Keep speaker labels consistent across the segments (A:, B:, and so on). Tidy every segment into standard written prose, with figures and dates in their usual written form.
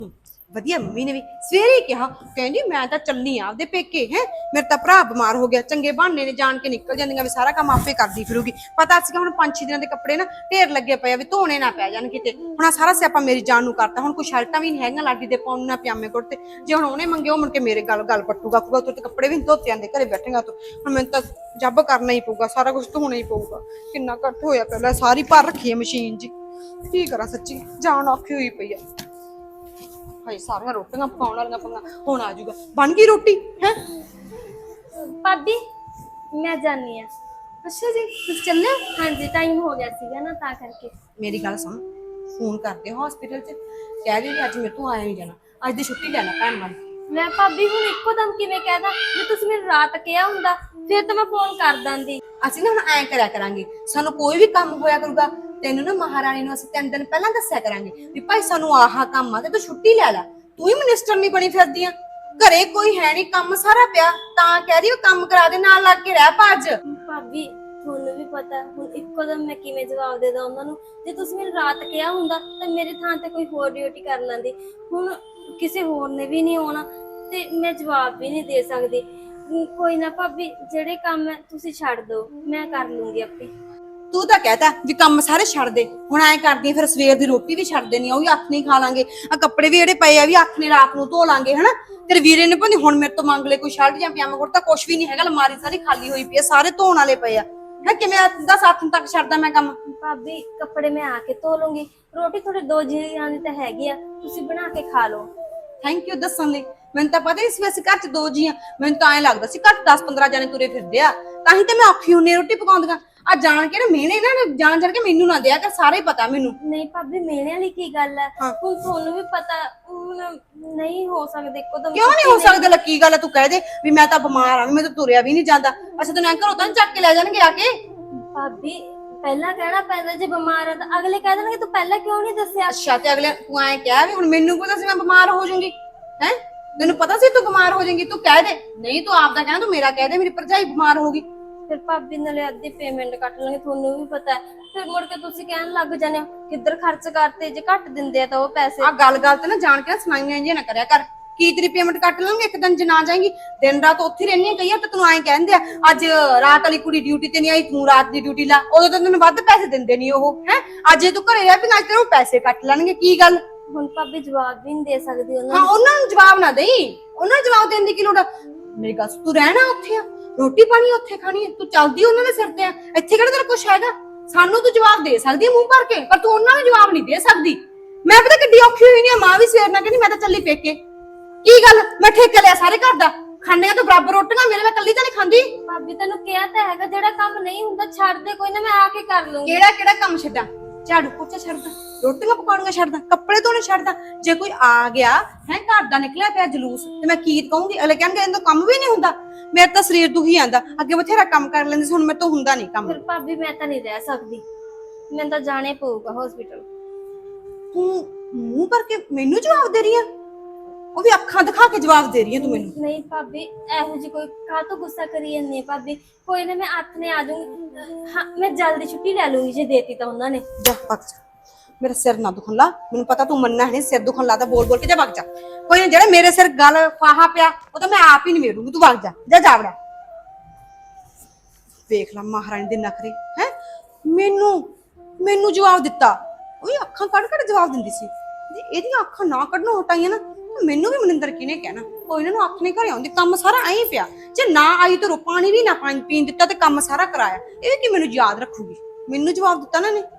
A: ਵਧੀਆ ਮੰਮੀ ਨੇ ਵੀ ਸਵੇਰੇ ਕਿਹਾ, ਕਹਿੰਦੀ ਮੈਂ ਤਾਂ ਚੱਲੀ ਆ ਆਪਦੇ ਪੇਕੇ ਹੈ। ਮੇਰੇ ਤਾਂ ਭਰਾ ਬਿਮਾਰ ਹੋ ਗਿਆ, ਚੰਗੇ ਬਹਾਨੇ ਨੇ ਜਾਣ ਕੇ ਨਿਕਲ ਜਾਂਦੀਆਂ ਵੀ ਸਾਰਾ ਕੰਮ ਆਪੇ ਕਰਦੀ ਫਿਰੂਗੀ। ਪਤਾ ਸੀਗਾ ਹੁਣ 5-6 ਦਿਨਾਂ ਦੇ ਕੱਪੜੇ ਨਾ ਢੇਰ ਲੱਗੇ ਪਏ ਆ ਵੀ ਧੋਣੇ ਨਾ ਪੈ ਜਾਣ ਕਿਤੇ। ਹੁਣ ਆ ਸਾਰਾ ਸਿਆਪਾ ਮੇਰੀ ਜਾਨ ਨੂੰ ਕਰਤਾ। ਹੁਣ ਕੋਈ ਸ਼ਰਟਾਂ ਵੀ ਨਹੀਂ ਹੈਗੀਆਂ ਲਾਡੀ ਦੇ ਪਾਉਣ ਨਾ ਪਜਾਮੇ ਕੁੜਤੇ। ਜੇ ਹੁਣ ਉਹਨੇ ਮੰਗੇ ਉਹ ਮੁੜ ਕੇ ਮੇਰੇ ਗੱਲ ਪੱਟੂਗਾ, ਕਹੂਗਾ ਤੂੰ ਤੇ ਕੱਪੜੇ ਵੀ ਨਹੀਂ ਧੋਤੇ ਆਂਦੇ ਘਰੇ ਬੈਠੇਗਾ ਤੂੰ। ਹੁਣ ਮੈਨੂੰ ਤਾਂ ਜੱਬ ਕਰਨਾ ਹੀ ਪਊਗਾ, ਸਾਰਾ ਕੁਝ ਧੋਣਾ ਹੀ ਪਊਗਾ। ਕਿੰਨਾ ਘੱਟ ਹੋਇਆ ਪਹਿਲਾਂ, ਸਾਰੀ ਭਰ ਰੱਖੀ ਹੈ ਮਸ਼ੀਨ ਜੀ। ਕੀ ਕਰਾਂ ਸੱਚੀ ਜਾਨ ਔਖੀ ਹੋਈ ਪਈ ਆ। ਹਾਏ ਸਾਰੀਆਂ ਰੋਟੀਆਂ ਪਕਾਉਣ ਵਾਲੀਆਂ ਪੰਗਾ ਹੁਣ ਆ ਜਾਊਗਾ। ਬਣ ਗਈ ਰੋਟੀ ਹੈ
B: ਭਾਬੀ? ਮੈਂ ਜਾਣੀ ਆ।
A: ਅੱਛਾ ਜੀ ਤੁਸੀਂ ਚੱਲੇ?
B: ਹਾਂਜੀ ਟਾਈਮ ਹੋ ਗਿਆ ਸੀਗਾ ਨਾ ਤਾਂ ਕਰਕੇ।
A: ਮੇਰੀ ਗੱਲ ਸੁਣ, ਫੋਨ ਕਰਦੇ ਹਸਪੀਟਲ 'ਚ ਕਹਿ ਦੇ ਅੱਜ ਮੇਰੇ ਤੋਂ ਆਇਆ ਨਹੀਂ ਜਾਣਾ, ਅੱਜ ਦੀ ਛੁੱਟੀ ਲੈ ਲੈ ਭੈਣ ਵਾਲੀ।
B: ਮੈਂ ਭਾਬੀ ਹੁਣ ਇੱਕੋ ਦਮ ਕਿਵੇਂ ਕਹਿਦਾ? ਜੇ ਤੁਸੀਂ ਮੈਨੂੰ ਰਾਤ ਕਿਹਾ ਹੁੰਦਾ ਫਿਰ ਤਾਂ ਮੈਂ ਫੋਨ ਕਰ ਦਾਂਦੀ।
A: ਅਸੀਂ ਨਾ ਹੁਣ ਐਂ ਕਰਿਆ ਕਰਾਂਗੇ, ਸਾਨੂੰ ਕੋਈ ਵੀ ਕੰਮ ਹੋਇਆ ਕਰੂਗਾ ਤੈਨੂੰ ਨਾ ਮਹਾਰਾਣੀ ਨੂੰ ਅਸੀਂ 3 ਦਿਨ ਪਹਿਲਾਂ ਦੱਸਿਆ ਕਰਾਂਗੇ ਵੀ ਭਾਈ ਸਾਨੂੰ ਆਹ ਕੰਮ ਆ ਤੇ ਤੂੰ ਛੁੱਟੀ ਲੈ ਲੈ। ਤੂੰ ਹੀ ਮਿਨਿਸਟਰ ਨਹੀਂ ਬਣੀ ਫਿਰਦੀ ਆ, ਘਰੇ ਕੋਈ ਹੈ ਨਹੀਂ, ਕੰਮ ਸਾਰਾ ਪਿਆ ਤਾਂ ਕਹਿ ਰਹੀ ਉਹ ਕੰਮ ਕਰਾ ਦੇ, ਨਾਲ ਲੱਗ ਕੇ ਰਹਿ ਭੱਜ।
B: ਭਾਬੀ ਤੁਹਾਨੂੰ ਵੀ ਪਤਾ ਹੁਣ ਇੱਕੋ ਦਮ ਮੈਂ ਕਿਵੇਂ ਜਵਾਬ ਦੇ ਦਾਂ ਉਹਨਾਂ ਨੂੰ। ਜੇ ਤੁਸੀਂ ਮੈਨੂੰ ਰਾਤ ਕਿਹਾ ਹੁੰਦਾ ਤਾਂ ਮੇਰੇ ਥਾਂ ਤੇ ਕੋਈ ਹੋਰ ਡਿਊਟੀ ਕਰ ਲੈਂਦੀ। ਹੁਣ ਕਿਸੇ ਹੋਰ ਨੇ ਵੀ ਨਹੀਂ ਆਉਣਾ ਤੇ ਮੈਂ ਜਵਾਬ ਵੀ ਨਹੀਂ ਦੇ ਸਕਦੀ। ਕੋਈ ਨਾ ਭਾਬੀ, ਜਿਹੜੇ ਕੰਮ ਹੈ ਤੁਸੀਂ ਛੱਡ ਦਿਓ, ਮੈਂ ਕਰ ਲੂੰਗੀ ਆਪੇ।
A: ਤੂੰ ਤਾਂ ਕਹਿਤਾ ਵੀ ਕੰਮ ਸਾਰੇ ਛੱਡ ਦੇ, ਹੁਣ ਐਂ ਕਰਦੀ ਫਿਰ ਸਵੇਰ ਦੀ ਰੋਟੀ ਵੀ ਛੱਡ ਦੇਣੀ, ਉਹ ਵੀ ਅੱਖ ਨਹੀਂ ਖਾ ਲਾਂਗੇ। ਆ ਕੱਪੜੇ ਵੀ ਜਿਹੜੇ ਪਏ ਆ ਵੀ ਅੱਖ ਨੇ ਰਾਤ ਨੂੰ ਧੋ ਲਾਂਗੇ ਹਨਾ। ਤੇਰੇ ਵੀਰੇ ਨੇ ਭਾਵੇਂ ਹੁਣ ਮੇਰੇ ਤੋਂ ਮੰਗ ਲੈ ਕੋਈ ਸ਼ਰਟ ਜਾਂ ਪਜਾਮਾ ਕੁੜਤਾ, ਕੁਛ ਵੀ ਨਹੀਂ ਹੈਗਾ, ਅਲਮਾਰੀ ਸਾਰੀ ਖਾਲੀ ਹੋਈ ਪਈ ਆ, ਸਾਰੇ ਧੋਣ ਵਾਲੇ ਪਏ ਆ। ਮੈਂ ਕਿਵੇਂ 10 ਤੱਕ ਛੱਡਦਾ ਮੈਂ ਕੰਮ?
B: ਭਾਬੀ ਕੱਪੜੇ ਮੈਂ ਆ ਕੇ ਧੋ ਲੂੰਗੀ, ਰੋਟੀ ਤੁਹਾਡੇ 2 ਜੀਆਂ ਦੀ ਤਾਂ ਹੈਗੀ ਆ, ਤੁਸੀਂ ਬਣਾ ਕੇ ਖਾ ਲਓ।
A: ਥੈਂਕ ਯੂ ਦੱਸਣ ਲਈ। ਮੈਨੂੰ ਤਾਂ ਪਤਾ ਹੀ ਸੀ ਵੈਸੇ ਘਰ 'ਚ 2 ਜੀ ਆ, ਮੈਨੂੰ ਤਾਂ ਐਂ ਲੱਗਦਾ ਸੀ ਘਰ 10-15 ਜਾਣੇ ਤੁਰੇ ਫਿਰਦੇ ਆ, ਤਾਂ ਹੀ ਤੇ ਮੈਂ ਔਖੀ ਹੁੰਨੀ ਰੋਟੀ ਪਕਾਉਂਦੀਆਂ। ਆ ਜਾਣ ਕੇ ਨਾ ਮਿਹਣੇ ਨਾ ਜਾਣ ਕੇ ਮੈਨੂੰ ਨਾ ਦਿਆ ਕਰ, ਸਾਰੇ ਹੀ ਪਤਾ ਮੈਨੂੰ।
B: ਨਹੀਂ ਭਾਬੀ ਮਿਹਣੇ ਵਾਲੀ ਕੀ ਗੱਲ ਹੈ? ਹੁਣ ਤੁਹਾਨੂੰ ਵੀ ਪਤਾ ਹੁਣ ਨਹੀਂ ਹੋ ਸਕਦੇ ਇੱਕੋਦਮ।
A: ਕਿਉਂ ਨਹੀਂ ਹੋ ਸਕਦਾ? ਲੱਕੀ ਗੱਲ ਆ, ਤੂੰ ਕਹਿ ਦੇ ਵੀ ਮੈਂ ਤਾਂ ਬਿਮਾਰ ਆ, ਮੈਂ ਤਾਂ ਤੁਰਿਆ ਵੀ ਨਹੀਂ ਜਾਂਦਾ। ਅੱਛਾ ਤੈਨੂੰ ਐਂ ਘਰੋਂ ਤਾਂ ਚੱਕ ਕੇ ਲੈ ਜਾਣਗੇ ਆ ਕੇ?
B: ਭਾਬੀ ਪਹਿਲਾਂ ਕਹਿਣਾ ਪੈਂਦਾ, ਜੇ ਬਿਮਾਰ ਆ ਤਾਂ ਅਗਲੇ ਕਹਿ ਦੇਣਗੇ ਤੂੰ ਪਹਿਲਾਂ ਕਿਉਂ ਨਹੀਂ ਦੱਸਿਆ?
A: ਅੱਛਾ ਤੇ ਅਗਲੇ ਤੂੰ ਐਂ ਕਿਹਾ ਵੀ ਹੁਣ ਮੈਨੂੰ ਪਤਾ ਸੀ ਮੈਂ ਬਿਮਾਰ ਹੋ ਜਾਊਂਗੀ ਹੈ? ਤੈਨੂੰ ਪਤਾ ਸੀ ਤੂੰ ਬਿਮਾਰ ਹੋ ਜਾਏਂਗੀ, ਤੂੰ ਕਹਿ ਦੇ। ਨਹੀਂ ਤੂੰ ਆਪਦਾ ਕਹਿਣਾ, ਤੂੰ ਮੇਰਾ ਕਹਿ ਦੇ ਮੇਰੀ ਭਰਜਾਈ ਬਿਮਾਰ ਹੋ ਗਈ।
B: ਫਿਰ ਭਾਬੀ ਨਾਲੇ ਅੱਧੀ ਪੇਮੈਂਟ ਕੱਟ ਲਾਂਗੇ, ਤੁਹਾਨੂੰ ਵੀ ਪਤਾ ਹੈ। ਫਿਰ ਮੁੜ ਕੇ ਤੁਸੀਂ ਕਹਿਣ ਲੱਗ ਜਾਂਦੇ ਹੋ ਕਿੱਧਰ ਖਰਚ ਕਰਤੇ, ਜੇ ਘੱਟ ਦਿੰਦੇ ਆ ਤਾਂ ਉਹ ਪੈਸੇ।
A: ਆ ਗੱਲ ਤੇ ਨਾ ਜਾਣ ਕੇ ਸੁਣਾਈਆਂ ਇੰਜੀਆਂ ਨਾ ਕਰਿਆ ਕਰ। ਕੀ ਤੇਰੀ ਪੇਮੈਂਟ ਕੱਟ ਲਾਂਗੇ ਇੱਕ ਦਿਨ ਜੇ ਨਾ ਜਾਏਂਗੀ? ਦਿਨ ਰਾਤ ਉੱਥੇ ਰਹਿਣੀ ਕਈ ਤਾਂ ਤੈਨੂੰ ਐਂ ਕਹਿੰਦੇ ਆ ਅੱਜ ਰਾਤ ਵਾਲੀ ਕੁੜੀ ਡਿਊਟੀ ਤੇ ਨਹੀਂ ਆਈ, ਤੂੰ ਰਾਤ ਦੀ ਡਿਊਟੀ ਲਾ, ਉਦੋਂ ਤਾਂ ਤੈਨੂੰ ਵੱਧ ਪੈਸੇ ਦਿੰਦੇ ਨਹੀਂ ਉਹ ਹੈ। ਅੱਜ ਜੇ ਤੂੰ ਘਰੇ ਰਹਿ ਪਈ ਅੱਜ ਤੈਨੂੰ ਪੈਸੇ ਕੱਟ ਲੈਣਗੇ। ਕੀ ਗੱਲ?
B: ਹੁਣ ਭਾਬੀ ਜਵਾਬ ਵੀ ਨਹੀਂ ਦੇ ਸਕਦੀ ਉਹਨਾਂ
A: ਹਾਂ ਉਹਨਾਂ ਨੂੰ ਜਵਾਬ ਨਾ ਦੇਈ, ਉਹਨਾਂ ਨੂੰ ਜਵਾਬ ਦੇਣ ਦੀ ਕੀ ਲੋੜ ਆ? ਮੇਰੀ ਗੱਲ ਤੂੰ ਰਹਿਣਾ ਉੱਥੇ ਆ, ਰੋਟੀ ਪਾਣੀ ਉੱਥੇ ਖਾਣੀ ਹੈ, ਤੂੰ ਚੱਲਦੀ ਉਹਨਾਂ ਦੇ ਸਿਰ ਤੇ ਆ, ਇੱਥੇ ਕਿਹੜਾ ਤੇਰਾ ਕੁਛ ਹੈਗਾ? ਸਾਨੂੰ ਤੂੰ ਜਵਾਬ ਦੇ ਸਕਦੀ ਹੈ ਮੂੰਹ ਭਰ ਕੇ, ਪਰ ਤੂੰ ਉਹਨਾਂ ਨੂੰ ਜਵਾਬ ਨਹੀਂ ਦੇ ਸਕਦੀ। ਮੈਂ ਪਤਾ ਕਿੱਡੀ ਔਖੀ ਹੋਈ ਨਹੀਂ, ਮਾਂ ਵੀ ਸਵੇਰ ਨਾਲ ਕਹਿੰਦੀ ਮੈਂ ਤਾਂ ਚੱਲੀ ਪੇਕੇ। ਕੀ ਗੱਲ ਮੈਂ ਠੇਕਾ ਲਿਆ ਸਾਰੇ ਘਰ ਦਾ, ਖਾਣੀਆਂ ਤਾਂ ਬਰਾਬਰ ਰੋਟੀਆਂ, ਮੇਰੇ ਮੈਂ ਕੱਲੀ ਤਾਂ ਨਹੀਂ ਖਾਂਦੀ।
B: ਭਾਬੀ ਤੈਨੂੰ ਕਿਹਾ ਤਾਂ ਹੈਗਾ ਜਿਹੜਾ ਕੰਮ ਨਹੀਂ ਹੁੰਦਾ ਛੱਡ ਦੇ, ਕੋਈ ਨਾ ਮੈਂ ਆ ਕੇ ਕਰ ਲੂੰਗੀ।
A: ਕਿਹੜਾ ਕੰਮ ਛੱਡਾਂ? ਝਾੜੂ ਪੋਚਾ ਛੱਡਦਾ, ਰੋਟੀਆਂ ਪਕਾਉਣੀਆਂ ਛੱਡਦਾ, ਕੱਪੜੇ ਧੋਣੇ ਛੱਡਦਾ? ਜੇ ਕੋਈ ਆ ਗਿਆ ਹੈ ਘਰ ਦਾ ਨਿਕਲਿਆ ਪਿਆ ਜਲੂਸ ਤੇ ਮੈਂ ਕੀ ਕਹੂੰਗੀ? ਅਗਲੇ ਕਹਿਣਗੇ ਇਹਦਾ ਕੰਮ ਵੀ ਨਹੀਂ ਹੁੰਦਾ। ਮੇਰੇ ਤਾਂ ਸਰੀਰ ਦੁਖੀ ਆਂਦਾ, ਅੱਗੇ ਬਥੇਰਾ ਕੰਮ ਕਰ ਲੈਂਦੀ ਸੀ, ਹੁਣ ਮੇਰੇ ਤੋਂ ਹੁੰਦਾ ਨਹੀਂ ਕੰਮ।
B: ਫਿਰ ਭਾਬੀ ਮੈਂ ਤਾਂ ਨਹੀਂ ਰਹਿ ਸਕਦੀ, ਮੈਨੂੰ ਤਾਂ ਜਾਣੇ ਪਊਗਾ ਹਸਪੀਟਲ।
A: ਤੂੰ ਮੂੰਹ ਭਰ ਕੇ ਮੈਨੂੰ ਜਵਾਬ ਦੇ ਰਹੀ ਆ, ਉਹ ਵੀ ਅੱਖਾਂ ਦਿਖਾ ਕੇ ਜਵਾਬ ਦੇ ਰਹੀ ਆ ਤੂੰ ਮੈਨੂੰ।
B: ਨਹੀਂ ਭਾਬੀ ਇਹੋ ਜੀ ਕੋਈ ਕਾਹਤੋਂ ਗੁੱਸਾ ਕਰੀ ਜਾਂਦੀ ਹੈ ਭਾਬੀ? ਕੋਈ ਨਾ ਮੈਂ ਹੱਥ ਨੇ ਆ ਜਾਊਂਗੀ। ਹਾਂ ਮੈਂ ਜਲਦੀ ਛੁੱਟੀ ਲੈ ਲੂੰਗੀ ਜੇ ਦੇਤੀ ਤਾਂ ਉਹਨਾਂ ਨੇ।
A: ਜਾ ਭੱਜ ਜਾ, ਮੇਰਾ ਸਿਰ ਨਾ ਦੁਖਣ ਲਾ, ਮੈਨੂੰ ਪਤਾ ਤੂੰ ਮੰਨਣਾ ਨਹੀਂ, ਸਿਰ ਦੁਖਣ ਲਾ ਤਾਂ ਬੋਲ ਬੋਲ ਕੇ ਜਾ ਭੱਜ ਜਾ। ਕੋਈ ਨਾ ਜਿਹੜਾ ਮੇਰੇ ਸਿਰ ਗੱਲ ਫਾਹਾ ਪਿਆ ਉਹ ਤਾਂ ਮੈਂ ਆਪ ਹੀ ਨਿਬੇੜੂੰਗੀ, ਤੂੰ ਭੱਜ ਜਾ ਜਾਵੜਾ। ਵੇਖ ਲਾ ਮਹਾਰਾਣੀ ਦੇ ਨਖਰੇ ਹੈ, ਮੈਨੂੰ ਜਵਾਬ ਦਿੱਤਾ, ਉਹ ਵੀ ਅੱਖਾਂ ਕੱਢ ਕੱਢ ਜਵਾਬ ਦਿੰਦੀ ਸੀ। ਜੇ ਇਹਦੀਆਂ ਅੱਖਾਂ ਨਾ ਕੱਢਣੋਂ ਹਟਾਈਆਂ ਨਾ ਮੈਨੂੰ ਵੀ ਮਨਿੰਦਰ ਕਿਹਨੇ ਕਹਿਣਾ? ਉਹ ਇਹਨਾਂ ਨੂੰ ਅੱਖ ਨਹੀਂ ਘਰੇ ਆਉਂਦੀ, ਕੰਮ ਸਾਰਾ ਐਂ ਪਿਆ। ਜੇ ਨਾ ਆਈ ਤਾਂ ਪਾਣੀ ਵੀ ਨਾ ਪੀਣ ਦਿੱਤਾ ਤੇ ਕੰਮ ਸਾਰਾ ਕਰਾਇਆ, ਇਹ ਕੀ ਮੈਨੂੰ ਯਾਦ ਰੱਖੂਗੀ? ਮੈਨੂੰ ਜਵਾਬ ਦਿੱਤਾ ਨਾ ਨੇ।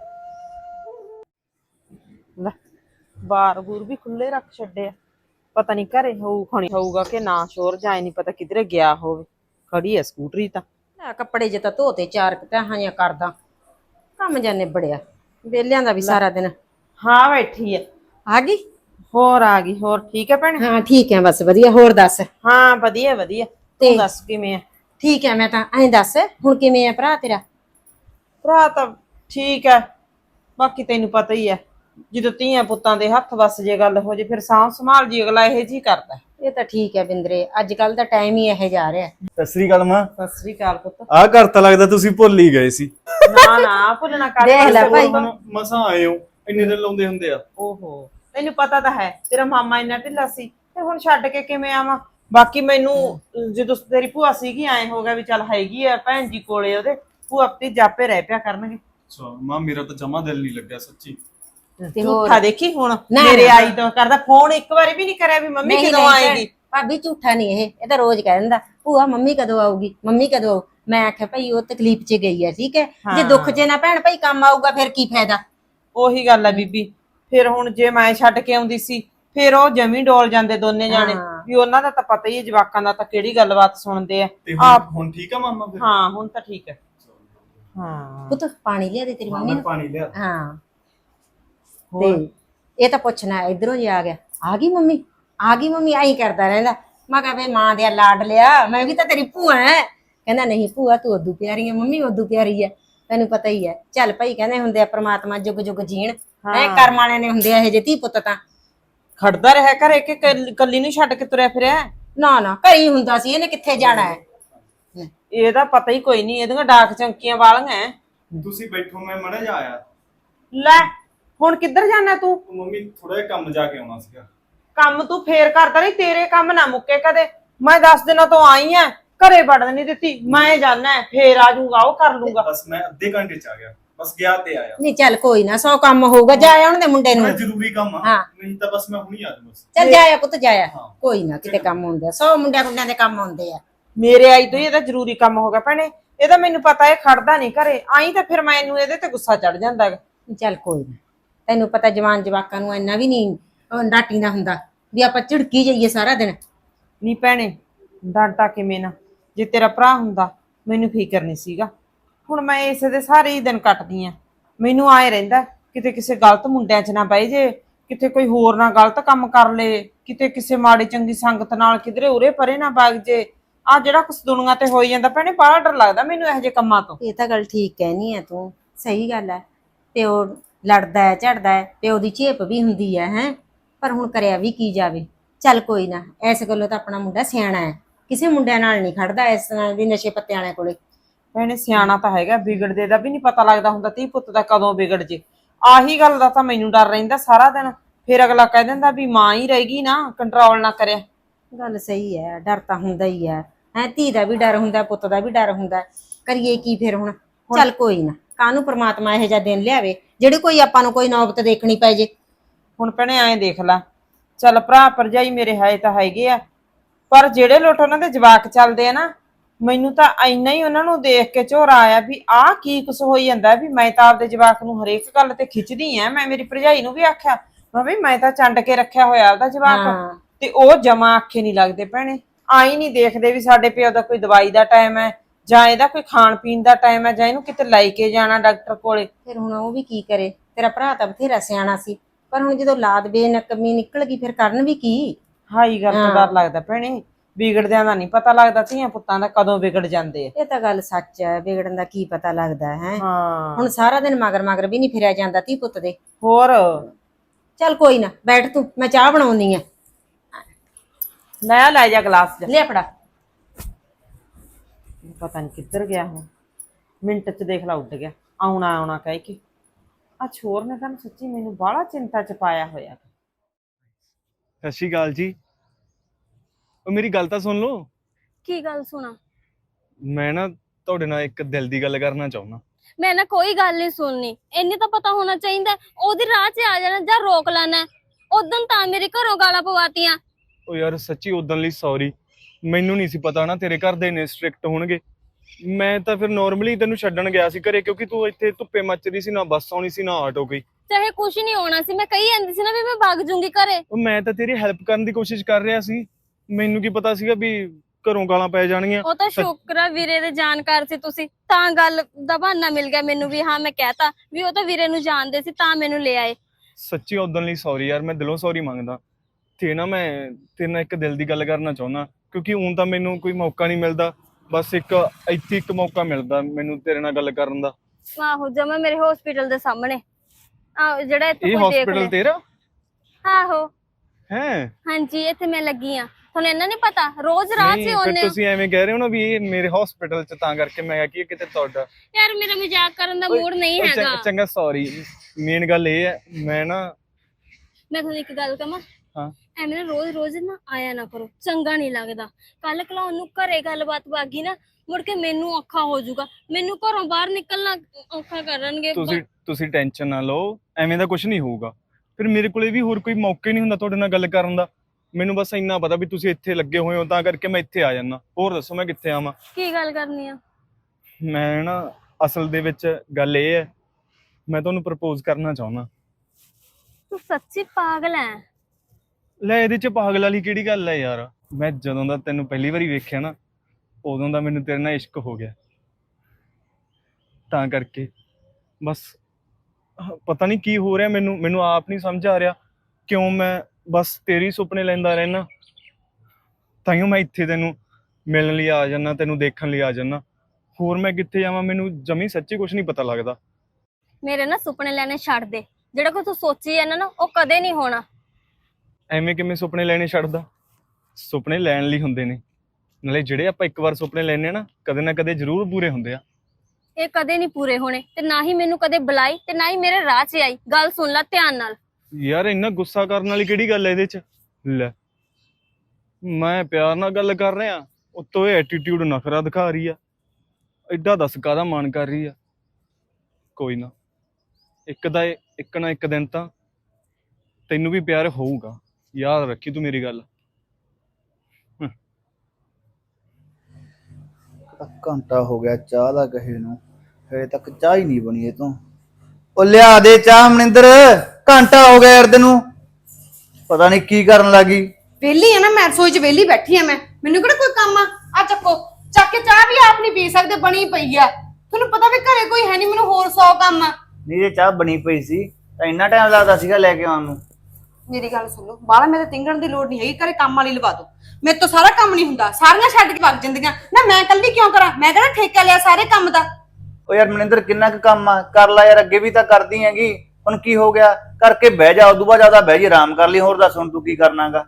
C: ਬਾਰ ਬੂਰ ਵੀ ਖੁੱਲੇ ਰੱਖ ਛੱਡਿਆ, ਪਤਾ ਨਹੀਂ ਘਰੇ ਹੋਊਗਾ ਕਿ ਨਾ, ਸ਼ੋਰ ਜਾਏ ਨਹੀਂ ਪਤਾ ਕਿਧਰੇ ਗਿਆ ਹੋਵੇ। ਖੜੀ ਐ ਸਕੂਟਰੀ ਤਾਂ।
D: ਕੱਪੜੇ ਜੇ ਤਾਂ ਧੋਤੇ 4 ਤਹਾਂ ਜਾਂ ਕਰਦਾ, ਕੰਮ ਜਾਂ ਨਿਬੜਿਆ, ਵੇਲਿਆਂ ਦਾ ਵੀ ਸਾਰਾ ਦਿਨ।
C: ਹਾਂ ਬੈਠੀ ਐ।
D: ਆ ਗਈ?
C: ਹੋਰ ਆ ਗਈ। ਹੋਰ ਠੀਕ ਹੈ ਭੈਣ?
D: ਹਾਂ ਠੀਕ ਹੈ ਬਸ ਵਧੀਆ। ਹੋਰ ਦੱਸ?
C: ਹਾਂ ਵਧੀਆ ਵਧੀਆ। ਤੂੰ ਦੱਸ ਕਿਵੇਂ ਆ?
D: ਠੀਕ ਹੈ ਮੈਂ ਤਾਂ। ਐਂ ਦੱਸ ਹੁਣ ਕਿਵੇਂ ਆ ਭਰਾ ਤੇਰਾ?
C: ਭਰਾ ਤਾਂ ਠੀਕ ਹੈ, ਬਾਕੀ ਤੈਨੂੰ ਪਤਾ ਹੀ ਹੈ ਜਦੋਂ ਧੀਆਂ ਪੁੱਤਾਂ ਦੇ ਹੱਥ ਵੱਸ ਜੇ ਗੱਲ ਹੋ ਜੇ ਫਿਰ ਸਾਂਭ ਸੰਭਾਲ ਜੀ ਅਗਲਾ ਇਹੋ ਜਿਹੀ ਕਰਦਾ।
D: ਇਹ ਤਾਂ ਠੀਕ ਹੈ ਬਿੰਦਰੇ, ਅੱਜ ਕੱਲ ਦਾ ਟਾਈਮ ਹੀ ਇਹੋ ਜਾ ਰਿਹਾ।
E: ਸਤਿ ਸ੍ਰੀ ਅਕਾਲ ਮਾਂ।
C: ਸਤਿ ਸ੍ਰੀ ਅਕਾਲ ਪੁੱਤ।
E: ਆਹ ਘਰ ਤਾਂ ਲੱਗਦਾ ਤੁਸੀਂ ਭੁੱਲ ਹੀ ਗਏ ਸੀ।
C: ਨਾ ਨਾ ਭੁੱਲਣਾ ਕਰ।
D: ਦੇਖ ਲੈ ਭਾਈ,
E: ਮਸਾਂ ਆਏ ਹੋ, ਇੰਨੇ ਦਿਨ ਲਾਉਂਦੇ ਹੁੰਦੇ ਆ।
C: ਓਹੋ ਤੈਨੂੰ ਪਤਾ ਤਾਂ ਹੈ ਤੇਰਾ ਮਾਮਾ ਇੰਨਾ ਢਿੱਲਾ ਸੀ ਤੇ ਹੁਣ ਛੱਡ ਕੇ ਕਿਵੇਂ ਆਵਾਂ। ਬਾਕੀ ਮੈਨੂੰ ਜਦੋਂ ਤੇਰੀ ਭੂਆ ਸੀਗੀ ਐ ਹੋ ਗਿਆ ਵੀ ਚੱਲ ਹੈਗੀ ਆ ਭੈਣ ਜੀ ਕੋਲੇ ਉਹਦੇ ਭੂਆ ਆਪੇ ਜਾਪੇ ਰਹਿ ਪਿਆ ਕਰਨਗੇ।
E: ਅੱਛਾ ਮਾਂ ਮੇਰਾ ਤਾਂ ਜਮਾ ਦਿਲ ਨਹੀਂ ਲੱਗਿਆ ਸੱਚੀ।
D: ਤੇ ਹੋਰ
C: ਝੂਠਾ ਦੇਖੀ ਹੁਣ
D: ਨਾ,
C: ਮੇਰੇ
D: ਨਾ।
C: ਆਈ ਤੋਂ ਕਰਦਾ ਫੋਨ ਇੱਕ ਵਾਰੀ ਵੀ ਨਹੀਂ ਕਰਿਆ ਵੀ ਮੰਮੀ
D: ਨਹੀਂ,
C: ਕਦੋਂ
D: ਨਹੀਂ
C: ਆਏਗੀ।
D: ਭਾਬੀ ਝੂਠਾ ਨਹੀਂ ਇਹ ਤਾਂ ਰੋਜ਼ ਕਹਿ ਦਿੰਦਾ ਭੂਆ ਮੰਮੀ ਕਦੋਂ ਆਊਗੀ ਮੰਮੀ ਕਦੋਂ ਆਊ। ਮੈਂ ਆਖਿਆ ਭਾਈ ਉਹ ਤਕਲੀਫ 'ਚ ਗਈ ਹੈ ਠੀਕ ਹੈ ਜੇ ਦੁੱਖ 'ਚ ਨਾ ਭੈਣ ਭਾਈ ਕੰਮ ਆਊਗਾ ਫਿਰ ਕੀ ਫਾਇਦਾ।
C: ਉਹੀ ਗੱਲ ਹੈ ਬੀਬੀ ਫਿਰ ਹੁਣ ਜੇ ਮੈਂ ਛੱਡ ਕੇ ਆਉਂਦੀ ਸੀ ਫਿਰ ਉਹ ਜਮੀ ਡੋਲ ਜਾਂਦੇ ਦੋਨੇ ਜਾਣੇ
D: ਹਾਂ।
C: ਵੀ ਉਹਨਾਂ ਦਾ ਤਾਂ ਪਤਾ ਹੀ ਹੈ ਜਵਾਕਾਂ ਦਾ ਤਾਂ ਕਿਹੜੀ ਗੱਲਬਾਤ ਸੁਣਦੇ ਆ।
E: ਤੇ
C: ਆਪ
E: ਹੁਣ ਠੀਕ ਆ ਮਾਮਾ ਫਿਰ?
C: ਹਾਂ ਹੁਣ ਤਾਂ ਠੀਕ ਹੈ। ਹਾਂ
D: ਪੁੱਤ ਪਾਣੀ ਲਿਆ ਦੇ ਤੇਰੀ ਮੰਮੀ
E: ਮੈਂ
D: ਨੂੰ।
E: ਪਾਣੀ ਲਿਆ।
D: ਹਾਂ ਤੇ ਇਹ ਤਾਂ ਪੁੱਛਣਾ ਇਧਰੋਂ ਜੀ ਆ ਗਿਆ ਆ ਗਈ ਮੰਮੀ ਆ ਗਈ ਮੰਮੀ ਆਈ ਕਰਦਾ ਰਹਿੰਦਾ। ਮੈਂ ਕਿਹਾ ਵੇ ਮਾਂ ਦੇ ਲਾਡ ਲਿਆ ਮੈਂ ਵੀ ਤਾਂ ਤੇਰੀ ਭੂਆ ਐ। ਕਹਿੰਦਾ ਨਹੀਂ ਭੂਆ ਤੂੰ ਉਦੋਂ ਪਿਆਰੀ ਹੈ ਮੰਮੀ ਉਦੋਂ ਪਿਆਰੀ ਹੈ ਤੈਨੂੰ ਪਤਾ ਹੀ ਹੈ। ਚੱਲ ਭਾਈ ਕਹਿੰਦੇ ਹੁੰਦੇ ਆ ਪ੍ਰਮਾਤਮਾ ਜੁਗ ਜੁਗ ਜੀਣ ਐ ਕਰਮ ਵਾਲੇ ਨੇ ਹੁੰਦੇ ਆ ਇਹ ਜੇ ਧੀ ਪੁੱਤ ਤਾਂ।
C: ਖੜਦਾ ਰਿਹਾ ਘਰੇ ਕਿ ਕੱਲੀ ਨੂੰ ਛੱਡ ਕੇ ਤੁਰਿਆ ਫਿਰਿਆ।
D: ਨਾ ਨਾ ਘਰੇ ਹੀ ਹੁੰਦਾ ਸੀ ਇਹਨੇ ਕਿੱਥੇ ਜਾਣਾ ਹੈ।
C: ਇਹਦਾ ਪਤਾ ਹੀ ਕੋਈ ਨਹੀਂ ਇਹਦੀਆਂ ਡਾਕ ਚੌਂਕੀਆਂ ਵਾਲੀਆਂ।
E: ਤੁਸੀਂ ਬੈਠੋ ਮੈਂ ਮੜਾ ਜਾ ਆਇਆ।
C: ਲੈ ਹੁਣ ਕਿੱਧਰ ਜਾਣਾ ਤੂੰ।
E: ਮੰਮੀ ਥੋੜਾ ਜਿਹਾ ਕੰਮ ਜਾ ਕੇ ਆਉਣਾ ਸੀਗਾ।
C: ਕੰਮ ਤੂੰ ਫੇਰ ਕਰਦਾ ਨਹੀਂ ਤੇਰੇ ਕੰਮ ਨਾ ਮੁੱਕੇ ਕਦੇ। ਮੈਂ 10 ਦਿਨਾਂ ਤੋਂ ਆਈ ਆ ਘਰੇ ਵੜਨ ਨਹੀਂ ਦਿੱਤੀ ਮੈਂ ਜਾਣਾ ਫੇਰ ਆ ਜਾਊਗਾ ਉਹ ਕਰ ਲੂੰਗਾ।
E: ਬਸ ਮੈਂ ਅੱਧੇ ਘੰਟੇ ਚ ਆ ਗਿਆ ਬਸ ਗਿਆ ਤੇ ਆਇਆ।
D: ਨਹੀਂ ਚੱਲ ਕੋਈ ਨਾ 100 ਕੰਮ ਹੋਊਗਾ ਜਾ ਆਉਣ ਦੇ ਮੁੰਡੇ ਨੂੰ।
E: ਮੈਂ ਜ਼ਰੂਰੀ ਕੰਮ ਆ
D: ਹਾਂ।
E: ਨਹੀਂ ਤਾਂ ਬਸ ਮੈਂ ਹੁਣੀ ਆ ਜਾਊਂ ਬਸ।
D: ਚੱਲ ਜਾਇਆ ਪੁੱਤ ਜਾਇਆ ਕੋਈ ਨਾ ਕਿਤੇ ਕੰਮ ਹੁੰਦੇ ਆ 100 ਮੁੰਡਿਆਂ ਦੇ ਕੰਮ ਹੁੰਦੇ ਆ।
C: ਮੇਰੇ ਆਈ ਤੋਂ ਹੀ ਇਹਦਾ ਜ਼ਰੂਰੀ ਕੰਮ ਹੋ ਗਿਆ ਭੈਣੇ। ਇਹਦਾ ਮੈਨੂੰ ਪਤਾ ਇਹ ਖੜਦਾ ਨਹੀਂ ਘਰੇ ਆਈ ਤਾਂ ਫਿਰ ਮੈਨੂੰ ਇਹਦੇ ਤੇ ਗੁੱਸਾ ਚੜ ਜਾਂਦਾ ਹੈ।
D: ਚੱਲ ਕੋਈ ਨਾ ਤੈਨੂੰ ਪਤਾ ਜਵਾਨ ਜਵਾਕਾਂ ਨੂੰ ਇੰਨਾ ਵੀ ਨਹੀਂ ਡਾਟੀ ਨਾ ਹੁੰਦਾ ਵੀ ਆਪਾਂ ਝਿੜਕੀ ਜਾਈਏ ਸਾਰਾ ਦਿਨ।
C: ਨਹੀਂ ਭੈਣੇ ਡਾਂਟਾ ਕਿਵੇਂ ਨਾ ਜੇ ਤੇਰਾ ਭਰਾ ਹੁੰਦਾ ਮੈਨੂੰ ਫਿਕਰ ਨਹੀਂ ਸੀਗਾ। ਹੁਣ ਮੈਂ ਇਸੇ ਦੇ ਸਾਰੇ ਹੀ ਦਿਨ ਕੱਟਦੀ ਆ ਮੈਨੂੰ ਆਏ ਰਹਿੰਦਾ ਕਿਤੇ ਕਿਸੇ ਗਲਤ ਮੁੰਡਿਆਂ 'ਚ ਨਾ ਬਹਿ ਜੇ ਕਿਤੇ ਕੋਈ ਹੋਰ ਨਾ ਗਲਤ ਕੰਮ ਕਰ ਲੇ ਕਿਤੇ ਕਿਸੇ ਮਾੜੀ ਚੰਗੀ ਸੰਗਤ ਨਾਲ ਕਿਧਰੇ ਉਰੇ ਪਰੇ ਨਾ ਵਗ ਜੇ। ਆ ਜਿਹੜਾ ਕੁਛ ਦੁਨੀਆ ਤੇ ਹੋਈ ਜਾਂਦਾ ਭੈਣੇ ਬੜਾ ਡਰ ਲੱਗਦਾ ਮੈਨੂੰ ਇਹੋ ਜਿਹੇ ਕੰਮਾਂ ਤੋਂ।
D: ਇਹ ਤਾਂ ਗੱਲ ਠੀਕ ਕਹਿਨੀ ਹੈ ਤੂੰ ਸਹੀ ਗੱਲ ਹੈ। ਪਿਓ ਲੜਦਾ ਹੈ ਝੜਦਾ ਹੈ ਪਿਓ ਦੀ ਝੇਪ ਵੀ ਹੁੰਦੀ ਹੈ ਪਰ ਹੁਣ ਕਰਿਆ ਵੀ ਕੀ ਜਾਵੇ। ਚੱਲ ਕੋਈ ਨਾ ਇਸ ਗੱਲੋਂ ਤਾਂ ਆਪਣਾ ਮੁੰਡਾ ਸਿਆਣਾ ਹੈ ਕਿਸੇ ਮੁੰਡਿਆਂ ਨਾਲ ਨਹੀਂ ਖੜਦਾ ਇਸ ਨਾਲ ਵੀ ਨਸ਼ੇ ਪੱਤੇ ਵਾਲਿਆਂ ਕੋਲੇ।
C: ਭੈਣੇ ਸਿਆਣਾ ਤਾਂ ਹੈਗਾ ਵਿਗੜਦੇ ਦਾ ਵੀ ਨਹੀਂ ਪਤਾ ਲੱਗਦਾ ਹੁੰਦਾ ਧੀ ਪੁੱਤ ਦਾ ਕਦੋਂ ਵਿਗੜ ਜੇ। ਆਹੀ ਗੱਲ ਦਾ ਤਾਂ ਮੈਨੂੰ ਡਰ ਰਹਿੰਦਾ ਸਾਰਾ ਦਿਨ। ਫਿਰ ਅਗਲਾ ਕਹਿ ਦਿੰਦਾ ਵੀ ਮਾਂ ਹੀ ਰਹੇਗੀ ਨਾ ਕੰਟਰੋਲ ਨਾ ਕਰਿਆ।
D: ਗੱਲ ਸਹੀ ਹੈ ਡਰ ਤਾਂ ਹੁੰਦਾ ਹੀ ਹੈ ਧੀ ਦਾ ਵੀ ਡਰ ਹੁੰਦਾ ਪੁੱਤ ਦਾ ਵੀ ਡਰ ਹੁੰਦਾ ਕਰੀਏ ਕੀ ਫਿਰ ਹੁਣ। ਚੱਲ ਕੋਈ ਨਾ ਕਾਹਨੂੰ ਪ੍ਰਮਾਤਮਾ ਇਹੋ ਜਿਹਾ ਦਿਨ ਲਿਆਵੇ ਜਿਹੜੇ ਕੋਈ ਆਪਾਂ ਨੂੰ ਕੋਈ ਨੌਬਤ ਦੇਖਣੀ ਪੈ ਜੇ।
C: ਹੁਣ ਭੈਣੇ ਐਂ ਦੇਖ ਲਾ ਚੱਲ ਭਰਾ ਭਰਜਾਈ ਮੇਰੇ ਹੈ ਤਾਂ ਹੈਗੇ ਆ ਪਰ ਜਿਹੜੇ ਲੋਟ ਉਹਨਾਂ ਦੇ ਜਵਾਕ ਚੱਲਦੇ ਆ ਨਾ ਮੈਨੂੰ ਤਾਂ ਇੰਨਾ ਹੀ ਉਹਨਾਂ ਨੂੰ ਦੇਖ ਕੇ ਝੋਰਾ ਆਇਆ ਵੀ ਆਹ ਕੀ ਕੁਛ ਹੋਈ ਜਾਂਦਾ ਵੀ ਮੈਂ ਤਾਂ ਆਪਦੇ ਜਵਾਕ ਨੂੰ ਹਰੇਕ ਗੱਲ ਤੇ ਖਿੱਚਦੀ ਆ। ਮੈਂ ਮੇਰੀ ਭਰਜਾਈ ਨੂੰ ਵੀ ਆਖਿਆ ਮੈਂ ਤਾਂ ਚੰਡ ਕੇ ਰੱਖਿਆ ਹੋਇਆ ਆਪਦਾ ਜਵਾਕ ਤੇ ਉਹ ਜਮਾ ਆਖੇ ਨਹੀਂ ਲੱਗਦੇ ਭੈਣੇ। ਆਈ ਨਹੀਂ ਦੇਖਦੇ ਵੀ ਸਾਡੇ ਪਿਓ ਦਾ ਕੋਈ ਦਵਾਈ ਦਾ ਟਾਈਮ ਹੈ ਜਾਂ ਇਹਦਾ ਕੋਈ ਖਾਣ ਪੀਣ ਦਾ ਟਾਈਮ ਹੈ ਜਾਂ ਇਹਨੂੰ ਕਿਤੇ ਲੈ ਕੇ ਜਾਣਾ ਡਾਕਟਰ ਕੋਲੇ।
D: ਫਿਰ ਹੁਣ ਉਹ ਵੀ ਕੀ ਕਰੇ ਤੇਰਾ ਭਰਾ ਤਾਂ ਬਥੇਰਾ ਸਿਆਣਾ ਸੀ ਪਰ ਹੁਣ ਜਦੋਂ ਲਾਦ ਬੇਨਕਮੀ ਨਿਕਲ ਗਈ ਫਿਰ ਕਰਨ ਵੀ ਕੀ।
C: ਹਾਈ ਗੱਲ ਤੋਂ ਡਰ ਲੱਗਦਾ ਭੈਣੇ ਵਿਗੜਦਿਆਂ ਦਾ ਨਹੀਂ ਪਤਾ ਲੱਗਦਾ ਧੀਆਂ ਪੁੱਤਾਂ ਦਾ ਕਦੋਂ ਵਿਗੜ ਜਾਂਦੇ ਆ।
D: ਇਹ ਤਾਂ ਗੱਲ ਸੱਚ ਹੈ ਵਿਗੜਨ ਦਾ ਕੀ ਪਤਾ ਲੱਗਦਾ ਹੈ।
C: ਹਾਂ
D: ਹੁਣ ਸਾਰਾ ਦਿਨ ਮਗਰ ਮਗਰ ਵੀ ਨਹੀਂ ਫਿਰਿਆ ਜਾਂਦਾ ਧੀ ਪੁੱਤ ਦੇ।
C: ਹੋਰ
D: ਚੱਲ ਕੋਈ ਨਾ ਬੈਠ ਤੂੰ ਮੈਂ ਚਾਹ ਬਣਾਉਣੀ ਆ।
C: ਲੈ ਜਾ ਗਲਾਸ ਜਾ।
D: ਲਿਆ ਫੜਾ।
C: ਪਤਾ ਨਹੀਂ ਕਿੱਧਰ ਗਿਆ ਹੁਣ ਮਿੰਟ ਚ ਦੇਖ ਲਾ ਉੱਡ ਗਿਆ ਆਉਣਾ ਕਹਿ ਕੇ। ਆ ਛੋਰ ਨੇ ਤਾਂ ਸੱਚੀ ਮੈਨੂੰ ਬਾਹਲਾ ਚਿੰਤਾ ਚ ਪਾਇਆ ਹੋਇਆ।
E: ਸਤਿ ਸ਼੍ਰੀ ਅਕਾਲ ਜੀ। ਉਹ ਮੇਰੀ ਗੱਲ ਤਾਂ ਸੁਣ ਲਓ।
B: ਕੀ ਗੱਲ ਸੁਣਾ।
E: ਮੈਂ ਨਾ ਤੁਹਾਡੇ ਨਾਲ ਇੱਕ ਦਿਲ ਦੀ ਗੱਲ ਕਰਨਾ ਚਾਹੁੰਦਾ।
B: ਮੈਂ ਨਾ ਕੋਈ ਗੱਲ ਨਹੀਂ ਸੁਣਨੀ ਇੰਨੀ ਤਾਂ ਪਤਾ ਹੋਣਾ ਚਾਹੀਦਾ ਉਹਦੀ ਰਾਹ 'ਚ ਆ ਜਾਣਾ ਜਾਂ ਰੋਕ ਲੈਣਾ। ਉਦੋਂ ਤਾਂ ਮੇਰੇ ਘਰੋਂ ਗਾਲਾਂ ਪਵਾਤੀਆਂ।
E: ਉਹ ਯਾਰ ਸੱਚੀ ਉਦੋਂ ਲਈ ਸੌਰੀ ਮੈਨੂੰ ਨਹੀਂ ਸੀ ਪਤਾ ਨਾ ਤੇਰੇ ਘਰ ਦੇ ਇੰਨੇ ਸਟ੍ਰਿਕਟ ਹੋਣਗੇ। ਮੈਂ ਤਾਂ ਫਿਰ ਨਾਰਮਲੀ ਤੈਨੂੰ ਛੱਡਣ ਗਿਆ ਸੀ ਘਰੇ ਕਿਉਂਕਿ ਤੂੰ ਇੱਥੇ ਧੁੱਪੇ ਮੱਚਦੀ ਸੀ ਨਾ ਬੱਸ ਆਉਣੀ ਸੀ ਨਾ ਆਟੋ ਕੋਈ।
B: ਚਾਹੇ ਕੁਝ ਨਹੀਂ ਹੋਣਾ ਸੀ ਮੈਂ ਕਹੀ ਜਾਂਦੀ ਸੀ ਨਾ ਵੀ ਮੈਂ ਭੱਗ ਜੂੰਗੀ ਘਰੇ।
E: ਉਹ ਮੈਂ ਤਾਂ ਤੇਰੀ ਹੈਲਪ ਕਰਨ ਦੀ ਕੋਸ਼ਿਸ਼ ਕਰ ਰਿਹਾ ਸੀ ਮੈਨੂੰ ਕੀ ਪਤਾ ਸੀਗਾ ਵੀ ਘਰੋਂ ਗਾਲਾਂ ਪੈ ਜਾਣਗੀਆਂ।
B: ਉਹ ਤਾਂ ਸ਼ੁਕਰ ਆ ਵੀਰੇ ਦੇ ਜਾਣਕਾਰ ਸੀ ਤੁਸੀਂ ਤਾਂ ਗੱਲ ਦਾ ਬਹਾਨਾ ਮਿਲ ਗਿਆ ਮੈਨੂੰ ਵੀ ਹਾਂ ਮੈਂ ਕਹਿਤਾ ਵੀ ਉਹ ਤਾਂ ਵੀਰੇ ਨੂੰ ਜਾਣਦੇ ਸੀ ਤਾਂ ਮੈਨੂੰ ਲੈ ਆਏ।
E: ਸੱਚੀ ਉਦੋਂ ਲਈ ਸੌਰੀ ਯਾਰ ਮੈਂ ਦਿਲੋਂ ਸੌਰੀ ਮੰਗਦਾ। ਤੇ ਨਾ ਮੈਂ ਤੇਰੇ ਨਾਲ ਇੱਕ ਦਿਲ ਦੀ ਗੱਲ ਕਰਨਾ ਚਾਹੁੰਦਾ ਕਿਉਂਕਿ ਹੁਣ ਤਾਂ ਮੈਨੂੰ ਕੋਈ ਮੌਕਾ ਨਹੀਂ ਮਿਲਦਾ ਬਸ ਇੱਥੇ ਇੱਕ ਮੌਕਾ ਮਿਲਦਾ ਮੈਨੂੰ ਤੇਰੇ ਨਾਲ ਗੱਲ ਕਰਨ ਦਾ।
B: ਆਹੋ ਜਮਾ ਮੇਰੇ ਹਸਪੀਟਲ ਦੇ ਸਾਹਮਣੇ ਆਹ ਜਿਹੜਾ ਇੱਥੇ
E: ਇਹ
B: ਕੋਈ ਦੇਖ
E: ਹਸਪੀਟਲ
B: ਲੈ।
E: ਤੇਰਾ
B: ਆਹੋ
E: ਹੈ?
B: ਹਾਂਜੀ ਇੱਥੇ ਮੈਂ ਲੱਗੀ ਆ ਤੁਹਾਨੂੰ ਇਹਨਾਂ ਨਹੀਂ ਪਤਾ ਰੋਜ਼ ਰਾਤ
E: ਨਹੀਂ
B: ਹੀ
E: ਫਿਰ
B: ਆਉਂਦੇ ਹੋ।
E: ਤੁਸੀਂ ਐਵੇਂ ਕਹਿ ਰਹੇ ਹੋ ਨਾ ਵੀ ਇਹ ਮੇਰੇ ਹਸਪੀਟਲ ਚ ਤਾਂ ਕਰਕੇ ਮੈਂ ਕਿਹਾ ਕਿ ਕਿਤੇ ਤੁਹਾਡਾ।
B: ਯਾਰ ਮੇਰਾ ਮਜ਼ਾਕ ਕਰਨ ਦਾ ਮੂਡ ਨਹੀਂ
E: ਉਹ
B: ਹੈਗਾ।
E: ਚੰਗਾ ਸੌਰੀ ਮੇਨ ਗੱਲ ਇਹ ਹੈ ਮੈਂ ਨਾ
B: ਮੈਂ ਤੁਹਾਨੂੰ ਇੱਕ ਗੱਲ ਕਹਾਂ,
E: ਹਾਂ
B: ਐਵੇਂ ਨਾ ਰੋਜ਼ ਰੋਜ਼ ਨਾ ਆਇਆ ਨਾ ਕਰੋ, ਚੰਗਾ ਨਹੀਂ ਲੱਗਦਾ। ਕੱਲ ਕਲਾਉਣ ਨੂੰ ਘਰੇ ਗੱਲਬਾਤ ਬਾਗੀ ਨਾ, ਮੁੜ ਕੇ ਮੈਨੂੰ ਔਖਾ ਹੋ ਜਾਊਗਾ, ਮੈਨੂੰ ਘਰੋਂ ਬਾਹਰ ਨਿਕਲਣਾ ਔਖਾ ਕਰਨਗੇ।
E: ਤੁਸੀਂ ਟੈਨਸ਼ਨ ਨਾ ਲਓ, ਐਵੇਂ ਦਾ ਕੁਝ ਨਹੀਂ ਹੋਊਗਾ। ਫਿਰ ਮੇਰੇ ਕੋਲੇ ਵੀ ਹੋਰ ਕੋਈ ਮੌਕੇ ਨਹੀਂ ਹੁੰਦਾ ਤੁਹਾਡੇ ਨਾਲ ਗੱਲ ਕਰਨ ਦਾ। ਮੈਨੂੰ ਬਸ ਇੰਨਾ ਪਤਾ ਵੀ ਤੁਸੀਂ ਇੱਥੇ ਲੱਗੇ ਹੋਏ ਹੋ, ਤਾਂ ਕਰਕੇ ਮੈਂ ਇੱਥੇ ਆ ਜਾਂਦਾ। ਹੋਰ ਦੱਸੋ ਮੈਂ ਕਿੱਥੇ ਆਵਾਂ?
B: ਕੀ ਗੱਲ ਕਰਨੀ ਆ?
E: ਮੈਂ ਨਾ ਅਸਲ ਦੇ ਵਿੱਚ ਗੱਲ ਇਹ ਹੈ, ਮੈਂ ਤੁਹਾਨੂੰ ਪ੍ਰਪੋਜ਼ ਕਰਨਾ ਚਾਹੁੰਦਾ।
B: ਤੂੰ ਸੱਚੀ ਪਾਗਲ ਐ?
E: ਲੈ ਇਹਦੇ ਚ ਪਾਗਲ ਵਾਲੀ ਕਿਹੜੀ ਗੱਲ ਹੈ ਯਾਰ? ਮੈਂ ਜਦੋਂ ਦਾ ਤੈਨੂੰ ਪਹਿਲੀ ਵਾਰੀ ਵੇਖਿਆ ਨਾ, ਉਦੋਂ ਦਾ ਮੈਨੂੰ ਤੇਰੇ ਨਾਲ ਇਸ਼ਕ ਹੋ ਗਿਆ। ਤਾਂ ਕਰਕੇ ਬਸ ਪਤਾ ਨਹੀਂ ਕੀ ਹੋ ਰਿਹਾ, ਮੈਨੂੰ ਆਪ ਨਹੀਂ ਸਮਝ ਆ ਰਿਹਾ ਕਿਉਂ ਮੈਂ ਬਸ ਤੇਰੀ ਸੁਪਨੇ ਲੈਂਦਾ ਰਹਿਣਾ। ਤਾਈਓ ਮੈਂ ਇੱਥੇ ਤੈਨੂੰ ਮਿਲਣ ਲਈ ਆ ਜਾਣਾ, ਤੈਨੂੰ ਦੇਖਣ ਲਈ ਆ ਜਾਣਾ। ਹੋਰ ਮੈਂ ਕਿੱਥੇ ਜਾਵਾਂ? ਮੈਨੂੰ ਜਮੀ ਸੱਚੀ ਕੁਝ ਨਹੀਂ ਪਤਾ ਲੱਗਦਾ।
B: ਮੇਰੇ ਨਾ ਸੁਪਨੇ ਲੈਣੇ ਛੱਡ ਦੇ। ਜਿਹੜਾ ਕੁਝ ਤੂੰ ਸੋਚੀ ਹੈ ਨਾ ਉਹ ਕਦੇ ਨਹੀਂ ਹੋਣਾ।
E: ਐਵੇਂ ਕਿਵੇਂ ਸੁਪਨੇ ਲੈਣੇ ਛੱਡਦਾ? ਸੁਪਨੇ ਲੈਣ ਲਈ ਹੁੰਦੇ ਨੇ, ਨਾਲੇ ਜਿਹੜੇ ਆਪਾਂ ਇੱਕ ਵਾਰ ਸੁਪਨੇ ਲੈਣੇ ਨਾ, ਕਦੇ ਨਾ ਕਦੇ ਜ਼ਰੂਰ ਪੂਰੇ ਹੁੰਦੇ ਆ।
B: ਇਹ ਕਦੇ ਨਹੀਂ ਪੂਰੇ ਹੋਣੇ, ਤੇ ਨਾ ਹੀ ਮੈਨੂੰ ਕਦੇ ਬੁਲਾਈ ਤੇ ਨਾ ਹੀ ਮੇਰੇ ਰਾਹ 'ਚ ਆਈ। ਗੱਲ ਸੁਣ ਲੈ ਧਿਆਨ ਨਾਲ।
E: ਯਾਰ ਇੰਨਾ ਗੁੱਸਾ ਕਰਨ ਵਾਲੀ ਕਿਹੜੀ ਗੱਲ ਹੈ ਇਹਦੇ ਚ? ਲੈ ਮੈਂ ਪਿਆਰ ਨਾਲ ਗੱਲ ਕਰ ਰਿਹਾ, ਉੱਤੋਂ ਇਹ ਐਟੀਟਿਊਡ ਨਖਰਾ ਦਿਖਾ ਰਹੀ ਆ। ਐਡਾ ਦੱਸ ਕਾਹਦਾ ਮਾਣ ਕਰ ਰਹੀ ਆ? ਕੋਈ ਨਾ, ਇੱਕ ਨਾ ਇੱਕ ਦਿਨ ਤਾਂ ਤੈਨੂੰ ਵੀ ਪਿਆਰ ਹੋਊਗਾ, ਯਾਦ ਰੱਖੀ ਤੂੰ ਮੇਰੀ ਗੱਲ।
F: ਘੰਟਾ ਹੋ ਗਿਆ ਚਾਹ ਦਾ ਕਹੇ ਨੂੰ, ਹਜੇ ਤੱਕ ਚਾਹ ਹੀ ਨਹੀਂ ਬਣੀ ਇਹ ਤੋਂ। ਉਹ ਲਿਆ ਦੇ ਚਾਹ ਮਨਿੰਦਰ, ਘੰਟਾ ਹੋ ਗਿਆ ਯਾਰ ਤੈਨੂੰ, ਪਤਾ ਨਹੀਂ ਕੀ ਕਰਨ ਲੱਗੀ।
A: ਵਿਹਲੀ ਆ ਨਾ ਮੈਂ, ਰਸੋਈ 'ਚ ਵਿਹਲੀ ਬੈਠੀ ਆ ਮੈਂ, ਮੈਨੂੰ ਕਿਹੜਾ ਕੋਈ ਕੰਮ ਆ ਚੱਕੋ ਚੱਕ ਕੇ ਚਾਹ ਵੀ ਆਪ ਨਹੀਂ ਪੀ ਸਕਦੇ, ਬਣੀ ਪਈ ਆ। ਤੁਹਾਨੂੰ ਪਤਾ ਵੀ ਘਰੇ ਕੋਈ ਹੈ ਨਹੀਂ, ਮੈਨੂੰ ਹੋਰ 100 ਕੰਮ ਆ।
F: ਨਹੀਂ ਜੇ ਚਾਹ ਬਣੀ ਪਈ ਸੀ ਤਾਂ ਇੰਨਾ ਟਾਈਮ ਲੱਗਦਾ ਸੀਗਾ ਲੈ ਕੇ ਆਉਣ ਨੂੰ?
A: ਮੇਰੀ ਗੱਲ ਸੁਣ ਲਓ, ਬਾਹਲਾ ਮੇਰੇ ਤਿੰਗਣ ਦੀ ਲੋੜ ਨਹੀਂ ਹੈਗੀ, ਘਰੇ ਕੰਮ ਵਾਲੀ ਲਵਾ ਦੋ। ਮੇਰੇ ਤੋਂ ਸਾਰਾ ਕੰਮ ਨਹੀਂ ਹੁੰਦਾ, ਸਾਰੀਆਂ ਛੱਡ ਕੇ ਭੱਜ ਜਾਂਦੀਆਂ ਨਾ। ਮੈਂ ਇਕੱਲੀ ਕਿਉਂ ਕਰਾਂ? ਮੈਂ ਕਿਹੜਾ ਠੇਕਾ ਲਿਆ ਸਾਰੇ ਕੰਮ ਦਾ?
F: ਉਹ ਯਾਰ ਮਨਿੰਦਰ ਕਿੰਨਾ ਕੁ ਕੰਮ ਆ, ਕਰ ਲੈ ਯਾਰ, ਅੱਗੇ ਵੀ ਤਾਂ ਕਰਦੀ ਹੈਗੀ, ਹੁਣ ਕੀ ਹੋ ਗਿਆ? ਕਰਕੇ ਬਹਿ ਜਾ, ਉਦੋਂ ਬਾਅਦ ਜ਼ਿਆਦਾ ਬਹਿ ਜੀ, ਆਰਾਮ ਕਰ ਲਈ। ਹੋਰ ਦੱਸ ਹੁਣ ਤੂੰ ਕੀ ਕਰਨਾਗਾ?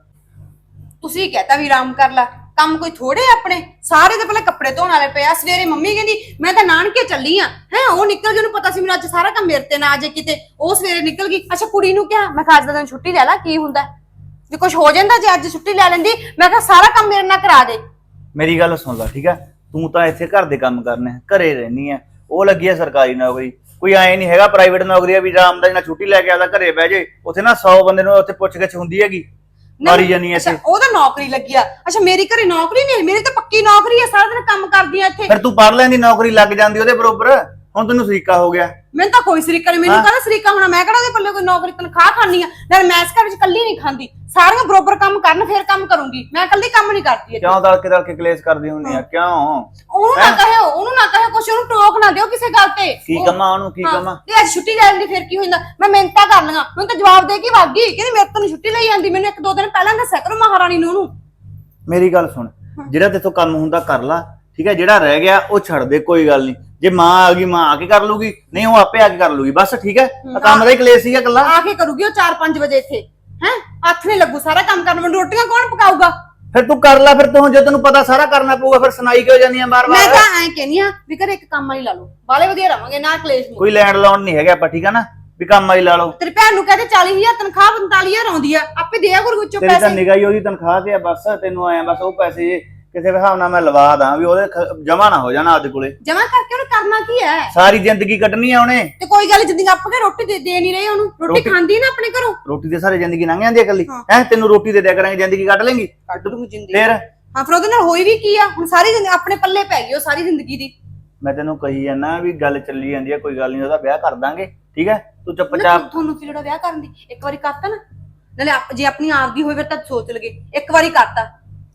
A: ਤੁਸੀਂ ਕਹਤਾ ਵੀ ਆਰਾਮ ਕਰ ਲੈ, ਕੰਮ ਕੋਈ ਥੋੜੇ ਆਪਣੇ ਸਾਰੇ। ਤੇ ਪਹਿਲਾਂ ਕੱਪੜੇ ਧੋਣ ਵਾਲੇ ਪਿਆ। ਸਵੇਰੇ ਮੰਮੀ ਕਹਿੰਦੀ ਮੈਂ ਤਾਂ ਨਾਨਕੇ ਚੱਲੀ ਆ, ਹੈ ਉਹ ਨਿਕਲ ਗਈ, ਉਹਨੂੰ ਪਤਾ ਸੀ ਮੈਨੂੰ ਅੱਜ ਸਾਰਾ ਕੰਮ ਮੇਰੇ ਤੇ ਨਾ ਆ ਜੇ ਕਿਤੇ, ਉਹ ਸਵੇਰੇ ਨਿਕਲ ਗਈ। ਅੱਛਾ ਕੁੜੀ ਨੂੰ ਕਿਹਾ, ਮੈਂ ਕਿਹਾ ਅੱਜ ਦਾ ਦਿਨ ਛੁੱਟੀ ਲੈ ਲੈ, ਕੀ ਹੁੰਦਾ ਜੇ ਕੁਝ ਹੋ ਜਾਂਦਾ? ਜੇ ਅੱਜ ਛੁੱਟੀ ਲੈ ਲੈਂਦੀ, ਮੈਂ ਕਿਹਾ ਸਾਰਾ ਕੰਮ ਮੇਰੇ ਨਾਲ ਕਰਾ ਦੇ।
F: ਮੇਰੀ ਗੱਲ ਸੁਣ ਲੈ ਠੀਕ ਆ, ਤੂੰ ਤਾਂ ਇੱਥੇ ਘਰ ਦੇ ਕੰਮ ਕਰਨੇ, ਘਰੇ ਰਹਿਣੀ ਆ। ਉਹ ਲੱਗੀ ਆ ਸਰਕਾਰੀ ਨੌਕਰੀ, ਕੋਈ ਐ ਨਹੀਂ ਹੈਗਾ ਪ੍ਰਾਈਵੇਟ ਨੌਕਰੀ ਆ ਵੀ ਆਰਾਮ ਦਾ ਨਾਲ ਛੁੱਟੀ ਲੈ ਕੇ ਆਦਾ ਘਰੇ ਬਹਿ ਜੇ। ਉੱਥੇ ਨਾ 100 ਬੰਦੇ ਨੂੰ ਉੱਥੇ ਪੁੱਛ ਗਿੱਛ ਹੁੰਦੀ ਹੈਗੀ, ਮਾਰੀ ਜਾਨੀ ਐ
A: ਅੱਛਾ
F: ਇੱਥੇ।
A: ਉਹ ਤਾਂ ਨੌਕਰੀ ਲੱਗੀ ਆ। ਅੱਛਾ ਮੇਰੀ ਘਰੇ ਨੌਕਰੀ ਨਹੀਂ, ਮੇਰੀ ਤਾਂ ਪੱਕੀ ਨੌਕਰੀ ਆ, ਸਾਰਾ ਦਿਨ ਕੰਮ ਕਰਦੀ ਆ ਇੱਥੇ।
F: ਫਿਰ ਤੂੰ ਪੜ ਲੈਂਦੀ, ਨੌਕਰੀ ਲੱਗ ਜਾਂਦੀ ਉਹਦੇ ਬਰੋਬਰ। ਹੁਣ ਤੈਨੂੰ ਸਰੀਕਾ ਹੋ ਗਿਆ।
A: ਮੈਨੂੰ ਤਾਂ ਕੋਈ ਸਰੀਕਾ ਨਹੀਂ, ਮੈਨੂੰ ਕਹਿੰਦਾ ਸਰੀਕਾ ਹੋਣਾ। ਮੈਂ ਕਿਹੜਾ ਉਹਦੇ ਪੱਲੇ ਕੋਈ ਨੌਕਰੀ ਤਨਖਾਹ ਖਾਣੀ ਆ? ਨਾਲ ਮੈਂ ਇਸ ਘਰ ਵਿੱਚ ਇਕੱਲੀ ਨਹੀਂ ਖਾਂਦੀ, ਸਾਰੀਆਂ ਬਰੋਬਰ ਕੰਮ ਕਰਨ ਫੇਰ ਕੰਮ ਕਰੂੰਗੀ। ਮੈਂ ਇਕੱਲੀ ਕੰਮ ਨਹੀਂ ਕਰਦੀ ਇੱਥੇ।
F: ਕਿਉਂ ਦਲ ਕੇ ਕਲੇਸ਼ ਕਰਦੀ ਹੁੰਦੀ ਆ? ਕਿਉਂ?
A: ਉਹਨੂੰ ਨਾ ਕਹਿਓ, ਉਹਨੂੰ ਨਾ ਕਹਿਓ ਕੁਛ, ਉਹਨੂੰ ਟੋਕ ਨਾ ਦਿਓ ਕਿਸੇ ਗੱਲ ਤੇ।
F: ਕੀ ਕਮਾ ਉਹਨੂੰ, ਕੀ ਕਮਾ?
A: ਤੇ ਅੱਜ ਛੁੱਟੀ ਲੈ ਲੈਂਦੀ ਫਿਰ ਕੀ ਹੋ ਜਾਂਦਾ? ਮੈਂ ਮਿਹਨਤਾਂ ਕਰ ਲਈਆਂ, ਮੈਨੂੰ ਤਾਂ ਜਵਾਬ ਦੇ ਕੇ ਵਗ ਗਈ, ਕਹਿੰਦੀ ਮੇਰੇ ਤੋਂ ਨਹੀਂ ਛੁੱਟੀ ਲਈ ਜਾਂਦੀ। ਮੈਨੂੰ 1-2 ਦਿਨ ਪਹਿਲਾਂ ਦੱਸਿਆ ਕਰੋ ਮਹਾਰਾਣੀ ਨੂੰ ਉਹਨੂੰ।
F: ਮੇਰੀ ਗੱਲ ਸੁਣ, ਜਿਹੜਾ ਤੇਥੋਂ ਕੰਮ ਹੁੰਦਾ ਕਰ ਲਾ, ਠੀਕ ਹੈ? ਜਿਹੜਾ ਰਹਿ ਗਿਆ ਉਹ ਛੱਡ ਦੇ, ਕੋਈ ਗੱਲ ਨਹੀਂ। ਜੇ ਮਾਂ ਆ ਗਈ, ਮਾਂ ਆ ਕੇ ਕਰ ਲੂਗੀ, ਨਹੀਂ ਉਹ ਆਪੇ ਆ ਕੇ ਕਰ ਲੂਗੀ, ਬਸ ਠੀਕ ਹੈ? ਕੰਮ ਦਾ ਹੀ ਕਲੇਸ਼ ਸੀਗਾ ਇਕੱਲਾ।
A: ਆ ਕੇ ਕਰੂਗੀ ਉਹ 4-5 ਵਜੇ ਇੱਥੇ, ਹੈ ਹੱਥ ਨਹੀਂ ਲੱਗੂ ਸਾਰਾ ਕੰਮ ਕਰਨ। ਮੈਨੂੰ ਰੋਟੀਆਂ ਕੌਣ ਪਕਾਊਗਾ?
F: ਫਿਰ ਤੂੰ ਕਰ ਲੈ, ਫਿਰ ਤੂੰ ਜੇ ਤੈਨੂੰ ਪਤਾ ਸਾਰਾ ਕਰਨਾ ਪਊਗਾ, ਫਿਰ ਸੁਣਾਈ ਕਿਉਂ ਜਾਂਦੀ ਆ
A: ਮੈਂ
F: ਬਾਰ-ਬਾਰ?
A: ਤਾਂ ਐਂ ਕਹਿੰਦੀ ਆ ਵੀ ਘਰੇ ਇੱਕ ਕੰਮ ਵਾਲੀ ਲਾ ਲਓ, ਬਾਲੇ ਵਧੀਆ ਰਵਾਂਗੇ, ਨਾ ਕਲੇਸ਼ ਨਹੀਂ।
F: ਕੋਈ ਲੈਂਡ ਲਾਉਣ ਨਹੀਂ ਹੈਗਾ ਆਪਾਂ, ਠੀਕ ਆ ਨਾ? ਵੀ ਕੰਮ ਆਈ ਲਾ ਲਓ।
A: ਤੇਰੀ ਭੈਣ ਨੂੰ ਕਹਿੰਦੇ 40,000 ਤਨਖਾਹ 45,000 ਆਉਂਦੀ ਆ, ਆਪੇ ਦਿਆ ਗੁਰੂ ਵਿੱਚੋਂ
F: ਤੇਰੀ ਤਾਂ
A: ਪੈਸੇ।
F: ਨਿਗਾਹ ਹੀ ਉਹਦੀ ਤਨਖਾਹ ਤੇ ਆ, ਬਸ ਤੈਨੂੰ ਆਇਆ ਬਸ ਉਹ ਪੈਸੇ ਕਿਸੇ ਹਿਸਾਬ ਨਾਲ ਮੈਂ ਲਵਾ ਦਾਂ ਵੀ ਉਹਦੇ ਜਮਾ ਨਾ ਹੋ ਜਾਣਾ ਆਪਦੇ ਕੋਲੇ।
A: ਜਮਾ ਕਰਕੇ ਉਹਨੇ ਕਰਨਾ ਕੀ ਹੈ?
F: ਸਾਰੀ ਜ਼ਿੰਦਗੀ ਕੱਢਣੀ ਆ ਉਹਨੇ।
A: ਤੇ ਕੋਈ ਗੱਲ ਜਿੰਦੀ ਆਪ ਕੇ ਰੋਟੀ ਦੇ ਨਹੀਂ ਰਹੇ ਉਹਨੂੰ, ਰੋਟੀ ਖਾਂਦੀ ਨਾ ਆਪਣੇ ਘਰੋਂ।
F: ਰੋਟੀ ਦੇ ਸਾਰੀ ਜ਼ਿੰਦਗੀ ਲੰਘ ਜਾਂਦੀ ਹੈ ਇਕੱਲੀ, ਹੈ? ਤੈਨੂੰ ਰੋਟੀ ਦੇ ਦਿਆ ਕਰਾਂਗੇ, ਜ਼ਿੰਦਗੀ ਕੱਢ ਲੇਂਗੀ?
A: ਕੱਢ ਦੂੰਗੀ ਜ਼ਿੰਦਗੀ।
F: ਫਿਰ
A: ਹਾਂ ਫਿਰ ਉਹਦੇ ਨਾਲ ਹੋਈ ਵੀ ਕੀ ਆ? ਹੁਣ ਸਾਰੀ ਜ਼ਿੰਦਗੀ ਆਪਣੇ ਪੱਲੇ ਪੈ ਗਈ ਉਹ ਸਾਰੀ ਜ਼ਿੰਦਗੀ ਦੀ।
F: ਮੈਂ ਤੈਨੂੰ ਕਹੀ ਜਾਂਦਾ ਵੀ ਗੱਲ ਚੱਲੀ ਜਾਂਦੀ ਹੈ, ਕੋਈ ਗੱਲ ਨਹੀਂ, ਉਹਦਾ ਵਿਆਹ ਕਰ ਦਾਂਗੇ, ਠੀਕ ਹੈ? ਤੂੰ ਚੁੱਪਚਾਪ।
A: ਤੁਹਾਨੂੰ ਕੀ ਲੋੜ ਆ ਵਿਆਹ ਕਰਨ ਦੀ? ਇੱਕ ਵਾਰੀ ਕਰਤਾ ਨਾ, ਨਾਲੇ ਜੇ ਆਪਣੀ ਆਪ ਦੀ ਹੋਵੇ ਫਿਰ ਤਾਂ ਸੋਚ ਲਗੇ। ਇੱਕ ਵਾਰੀ ਕਰਤਾ।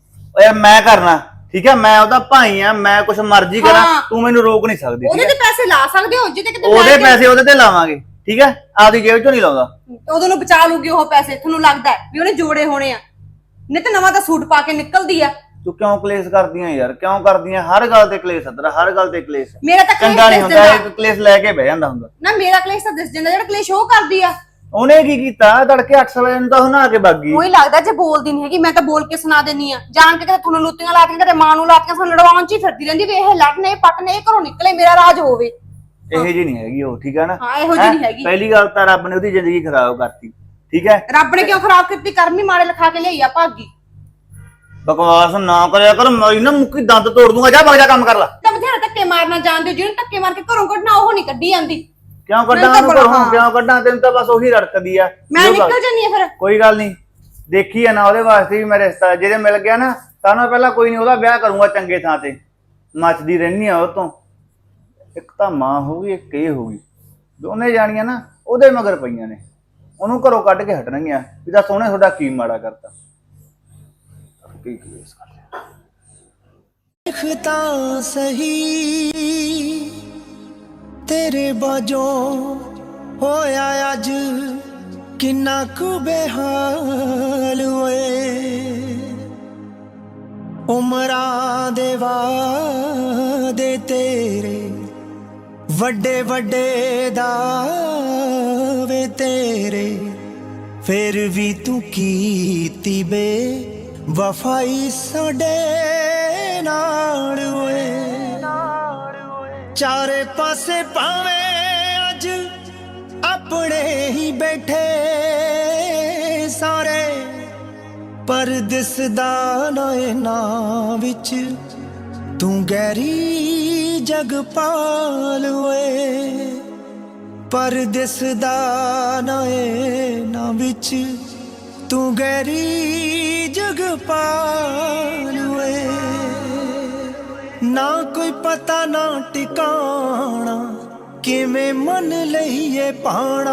F: ਓਏ ਮੈਂ ਕਰਨਾ, ਠੀਕ ਹੈ? ਮੈਂ ਉਹਦਾ ਭਾਈ ਆ, ਮੈਂ ਕੁਛ ਮਰਜ਼ੀ ਕਰਾਂ, ਤੂੰ ਮੈਨੂੰ ਰੋਕ ਨਹੀਂ ਸਕਦੀ।
A: ਉਹਦੇ ਤੇ ਪੈਸੇ ਲਾ ਸਕਦੇ ਹੋ ਜਿੱਤੇ ਕਿਤੇ
F: ਉਹਦੇ ਪੈਸੇ ਉਹਦੇ ਤੇ ਲਾਵਾਂਗੇ, ਠੀਕ ਹੈ? ਆਪਦੀ ਜੇਬ ਚੋਂ ਨਹੀਂ ਲਾਉਂਦਾ।
A: ਉਦੋਂ ਨੂੰ ਬਚਾ ਲੂਗੀ ਉਹ ਪੈਸੇ। ਤੁਹਾਨੂੰ ਲੱਗਦਾ ਵੀ ਉਹਨੇ ਜੋੜੇ ਹੋਣੇ ਆ? ਨਹੀਂ ਤੇ ਨਵਾਂ ਤਾਂ ਸੂਟ ਪਾ ਕੇ ਨਿਕਲਦੀ ਆ।
F: ਤੂੰ ਕਿਉਂ ਕਲੇਸ਼ ਕਰਦੀਆਂ ਯਾਰ? ਕਿਉਂ ਕਰਦੀਆਂ? ਹਰ ਗੱਲ ਤੇ ਕਲੇਸ਼ ਤੇਰਾ, ਹਰ ਗੱਲ ਤੇ ਕਲੇਸ਼।
A: ਮੇਰਾ ਤਾਂ
F: ਚੰਗਾ ਨਹੀਂ ਹੁੰਦਾ, ਇੱਕ ਕਲੇਸ਼ ਲੈ ਕੇ ਬਹਿ ਜਾਂਦਾ ਹੁੰਦਾ
A: ਨਾ। ਮੇਰਾ ਕਲੇਸ਼ ਤਾਂ ਦਿਸ ਜਾਂਦਾ, ਜਿਹੜਾ ਕਲੇਸ਼ ਉਹ ਕਰਦੀ ਆ।
F: ਉਹਨੇ ਕੀ ਕੀਤਾ? ਤੜਕੇ 8 ਵਜੇ ਨੂੰ ਤਾਂ ਹੁਣਾ ਕੇ ਬਾਗੀ।
A: ਉਹੀ ਲੱਗਦਾ ਜੇ ਬੋਲਦੀ ਨਹੀਂ ਹੈਗੀ, ਮੈਂ ਤਾਂ ਬੋਲ ਕੇ ਸੁਣਾ ਦੇਣੀ ਆ। ਜਾਣ ਕੇ ਕਦੇ ਤੁਹਾਨੂੰ ਲੁੱਤੀਆਂ ਲਾਤੀਆਂ, ਕਦੇ ਮਾਂ ਨੂੰ ਲਾਤੀਆਂ, ਸਾਨੂੰ ਲੜਵਾਉਣ ਚ ਹੀ ਫਿਰਦੀ ਰਹਿੰਦੀ ਵੀ ਇਹ ਲੜਨੇ ਪਟਨੇ, ਇਹ ਘਰੋਂ ਨਿਕਲੇ, ਮੇਰਾ ਰਾਜ ਹੋਵੇ।
F: ਇਹੋ ਜਿਹੀ ਨਹੀਂ ਹੈਗੀ ਉਹ, ਠੀਕ ਹੈ ਨਾ?
A: ਹਾਂ ਇਹੋ ਜਿਹੀ ਨਹੀਂ ਹੈਗੀ।
F: ਪਹਿਲੀ ਗੱਲ ਤਾਂ ਰੱਬ ਨੇ ਉਹਦੀ ਜ਼ਿੰਦਗੀ ਖਰਾਬ ਕਰਤੀ, ਠੀਕ ਹੈ।
A: ਰੱਬ ਨੇ ਕਿਉਂ ਖਰਾਬ ਕੀਤੀ, ਕਰਮ ਹੀ ਮਾੜੇ ਲਿਖਾ ਕੇ ਲਿਆਈ ਆ ਭਾਗੀ।
F: ਬਕਵਾਸ ਨਾ ਕਰਿਆ ਕਰ, ਮੈਂ ਨਾ ਮੁੱਕੀ ਦੰਦ ਤੋੜ ਦੂੰਗਾ। ਜਾ ਵਗ ਜਾ ਕੰਮ ਕਰ ਲੈ।
A: ਤਾਂ ਬਥੇਰਾ ਧੱਕੇ ਮਾਰਨਾ ਜਾਣਦੇ ਹੋ, ਜਿਹਨੂੰ ਧੱਕੇ ਮਾਰ ਕੇ ਘਰੋਂ ਕੱਢਣਾ ਉਹ ਨਹੀਂ ਕੱਢੀ ਜਾਂਦੀ।
F: ਕਿਉਂ ਕੱਢਾਂ
A: ਮੈਨੂੰ ਤਾਂ
F: ਉਹਨੂੰ
A: ਬੜਾ-
F: ਘਰੋਂ?
A: ਹਾਂ।
F: ਕਿਉਂ ਕੱਢਾਂ? ਤੈਨੂੰ ਤਾਂ ਬਸ ਉਹੀ ਰੜਕਦੀ ਆ।
A: ਮੈਂ
F: ਜੋ ਗੱਲ-
A: ਨਿਕਲ ਜਾਨੀ ਆ ਫਿਰ।
F: ਕੋਈ ਗੱਲ ਨਹੀਂ, ਦੇਖੀ ਆ ਨਾ ਉਹਦੇ ਵਾਸਤੇ ਵੀ ਮੈਂ ਰਿਸ਼ਤਾ, ਜਿਹਦੇ ਮਿਲ ਗਿਆ ਨਾ ਤਾਂ ਮੈਂ ਪਹਿਲਾਂ ਕੋਈ ਨਹੀਂ ਉਹਦਾ ਵਿਆਹ ਕਰੂੰਗਾ ਚੰਗੇ ਥਾਂ ਤੇ। ਮੱਚਦੀ ਰਹਿਣੀ ਆ ਉਹ ਤੋਂ। ਇੱਕ ਤਾਂ ਮਾਂ ਹੋਊਗੀ, ਇੱਕ ਇਹ ਹੋਊਗੀ, ਦੋਨੇ ਜਾਣੀਆਂ ਨਾ ਉਹਦੇ ਮਗਰ ਪਈਆਂ ਨੇ। ਉਹਨੂੰ ਘਰੋਂ ਕੱਢ ਕੇ ਹਟਣਗੀਆਂ ਵੀ ਤਾਂ ਸੋਹਣੇ ਤੁਹਾਡਾ ਕੀ ਮਾੜਾ ਕਰਤਾ। ਕੀ ਕਲੇਸ਼ ਕਰ ਲਿਆ।
G: ਦੇਖ ਤਾਂ ਸਹੀ ਤੇਰੇ ਬਾਝੋਂ ਹੋਇਆ ਅੱਜ ਕਿੰਨਾ ਕੁ ਬੇਹਾਲ ਓਏ। ਉਮਰਾਂ ਦੇ ਵਾਦੇ ਤੇਰੇ ਵੱਡੇ ਵੱਡੇ ਦਾਵੇ ਤੇਰੇ, ਫਿਰ ਵੀ ਤੂੰ ਕੀਤੀ ਬੇ ਵਫਾਈ ਸਾਡੇ ਨਾਲ ਓਏ। ਚਾਰੇ ਪਾਸੇ ਭਾਵੇਂ ਅੱਜ ਆਪਣੇ ਹੀ ਬੈਠੇ ਸਾਰੇ, ਪਰ ਦਿਸਦਾ ਨਾ ਇਹਨਾਂ ਵਿੱਚ ਤੂੰ ਗਹਿਰੀ ਜਗਪਾਲ ਓਏ। ਪਰ ਦਿਸਦਾ ਨਾ ਇਹਨਾਂ ਵਿੱਚ ਤੂੰ ਗਹਿਰੀ ਜਗਪਾਲ ਓਏ। ਨਾ ਕੋਈ ਪਤਾ ਨਾ ਟਿਕਾਣਾ, ਕਿਵੇਂ ਮਨ ਲਈਏ ਪਾਣਾ।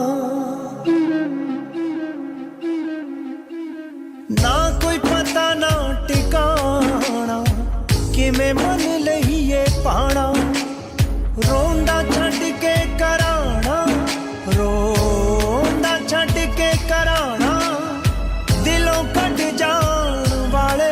G: ਨਾ ਕੋਈ ਪਤਾ ਨਾ ਟਿਕਾਣਾ, ਕਿਵੇਂ ਮਨ ਲਈਏ ਪਾਣਾ। ਰੋਂਦਾ ਛੱਡ ਕੇ ਕਰਾਣਾ, ਰੋਂਦਾ ਛੱਡ ਕੇ ਕਰਾਣਾ, ਦਿਲੋਂ ਕੱਢ ਜਾਣ ਵਾਲੇ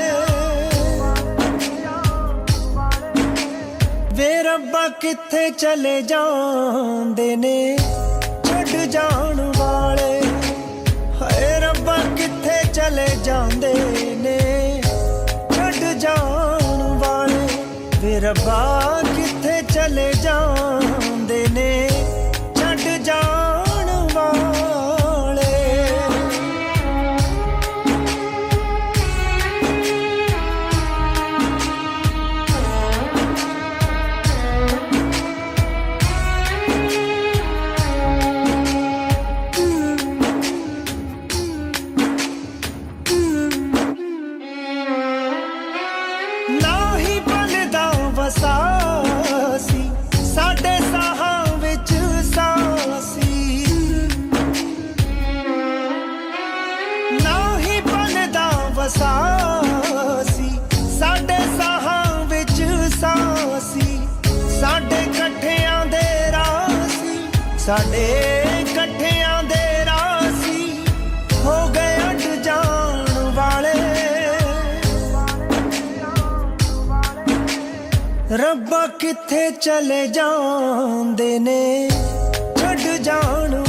G: ਵੇ ਰੱਬਾ ਕਿੱਥੇ ਚਲੇ ਜਾਂਦੇ ਨੇ ਛੱਡ ਜਾਣ ਵਾਲੇ। ਹਾਏ ਰੱਬਾ ਕਿੱਥੇ ਚਲੇ ਜਾਂਦੇ ਨੇ ਛੱਡ ਜਾਣ ਵਾਲੇ। ਵੇ ਰੱਬਾ ਕਿੱਥੇ ਚਲੇ ਜਾਂਦੇ ਨੇ ਛੱਡ ਜਾਣ ਵਾਲੇ। ਨਾ ਹੀ ਬਣਦਾ ਵਸਾਸੀ ਸਾਡੇ ਸਾਹਾਂ ਵਿੱਚ ਸਾਸੀ। ਨਾ ਹੀ ਬਣਦਾ ਵਸਾਸੀ ਸਾਡੇ ਸਾਹਾਂ ਵਿੱਚ ਸਾਸੀ। ਸਾਡੇ ਇਕੱਠਿਆਂ ਦੇ ਰਾਸੀ, ਸਾਡੇ ਇਕੱਠਿਆਂ ਦੇ ਰਾਸੀ ਹੋ ਗਏ ਅੱਡ ਜਾਣ ਵਾਲੇ। ਰੱਬਾ ਕਿੱਥੇ ਚਲੇ ਜਾਂਦੇ ਨੇ ਛੱਡ ਜਾਣ